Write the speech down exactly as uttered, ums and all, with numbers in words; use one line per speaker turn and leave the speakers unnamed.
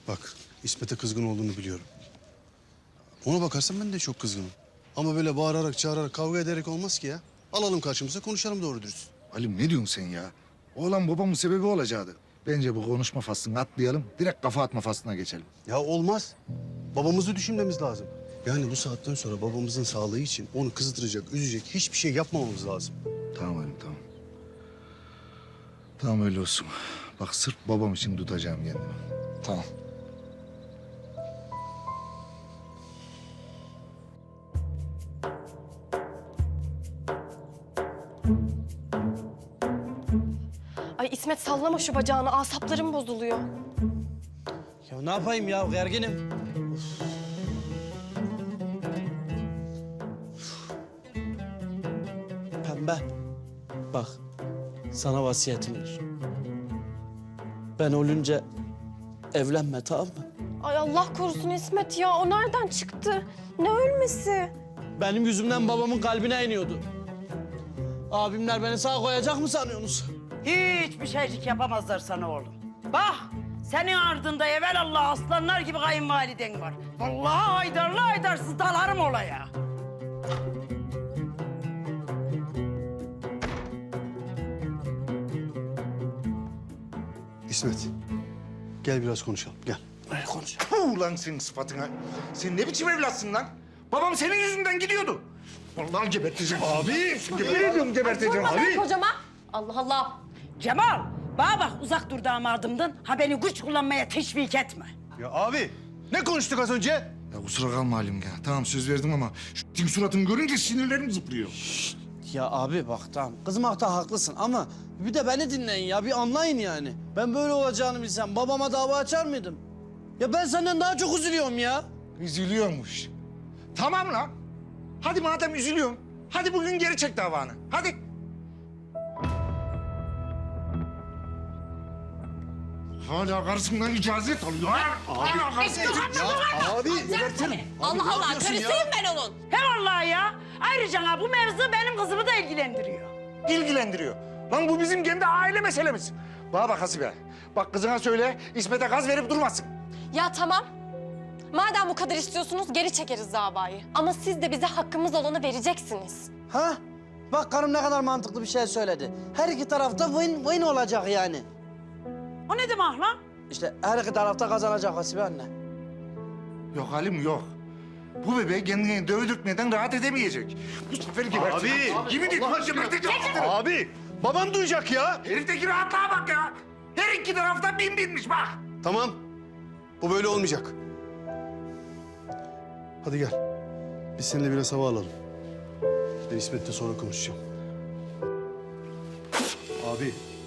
Bak, İsmet'e kızgın olduğunu biliyorum. Ona bakarsan ben de çok kızgınım. Ama böyle bağırarak, çağırarak, kavga ederek olmaz ki ya. Alalım karşımıza, konuşalım doğru dürüst.
Halim ne diyorsun sen ya? Oğlan babamın sebebi olacaktı. Bence bu konuşma faslını atlayalım. Direkt kafa atma faslına geçelim.
Ya olmaz. Babamızı düşünmemiz lazım. Yani bu saatten sonra babamızın sağlığı için onu kızdıracak, üzecek hiçbir şey yapmamamız lazım.
Tamam Halim tamam. Tamam öyle olsun. Bak sırf babam için tutacağım kendimi. Tamam.
Ay İsmet sallama şu bacağını. Asaplarım bozuluyor.
Ya ne yapayım ya gerginim. Pembe. Bak sana vasiyetim var. Ben ölünce evlenme tamam mı?
Ay Allah korusun İsmet ya. O nereden çıktı? Ne ölmesi?
Benim yüzümden babamın kalbine iniyordu. Abimler beni sağ koyacak mı sanıyorsunuz?
Hiçbir şeycik yapamazlar sana oğlum. Bak, senin ardında evelallah aslanlar gibi kayınvaliden var. Vallahi haydarlı haydarsız dalarım olaya.
İsmet, gel biraz konuşalım, gel.
Ay konuş.
Puh lan senin sıfatına. Sen ne biçim evlatsın lan? Babam senin yüzünden gidiyordu. Vallahi geberteceğim. Abi. Geber ediyorum geberteceğim
Sorma be
abi.
kocama. Allah Allah.
Cemal, bana bak uzak dur damadımdan. Ha beni güç kullanmaya teşvik etme.
Ya abi, ne konuştuk az önce?
Ya kusura kalma Halim ya. Tamam söz verdim ama şu dik suratını görünce sinirlerim zıplıyor.
Ya abi bak tamam kızmakta haklısın ama bir de beni dinleyin ya bir anlayın yani. Ben böyle olacağını bilsem babama dava açar mıydım? Ya ben senden daha çok üzülüyorum ya.
Üzülüyormuş. Tamam lan. Hadi madem üzülüyorsun. Hadi bugün geri çek davanı. Hadi. Hala karısından icazet alıyor ha? Hala karısından
Abi,
Allah Allah. Karısıyım ben onun.
He vallahi ya. Ayrıca ha, bu mevzu benim kızımı da ilgilendiriyor.
ilgilendiriyor. Lan bu bizim kendi aile meselemiz. Bana bak Hasibe. Bak kızına söyle İsmet'e gaz verip durmasın.
Ya tamam. Madem bu kadar istiyorsunuz geri çekeriz davayı. Ama siz de bize hakkımız olanı vereceksiniz.
Ha? Bak karım ne kadar mantıklı bir şey söyledi. Her iki tarafta win win olacak yani.
O ne demek lan?
İşte her iki tarafta kazanacak Hasibe anne.
Yok Halim yok. Bu bebe kendini dövdürtmeden rahat edemeyecek. Bu sefer geberteceğim.
Abi!
Yemin ediyorum geberteceğim.
Abi, baban duyacak ya.
Herifteki rahatlığa bak ya. Her iki tarafta bin binmiş bak.
Tamam, bu böyle olmayacak. Hadi gel, biz seninle biraz hava alalım. Ben İsmet'le sonra konuşacağım. Abi,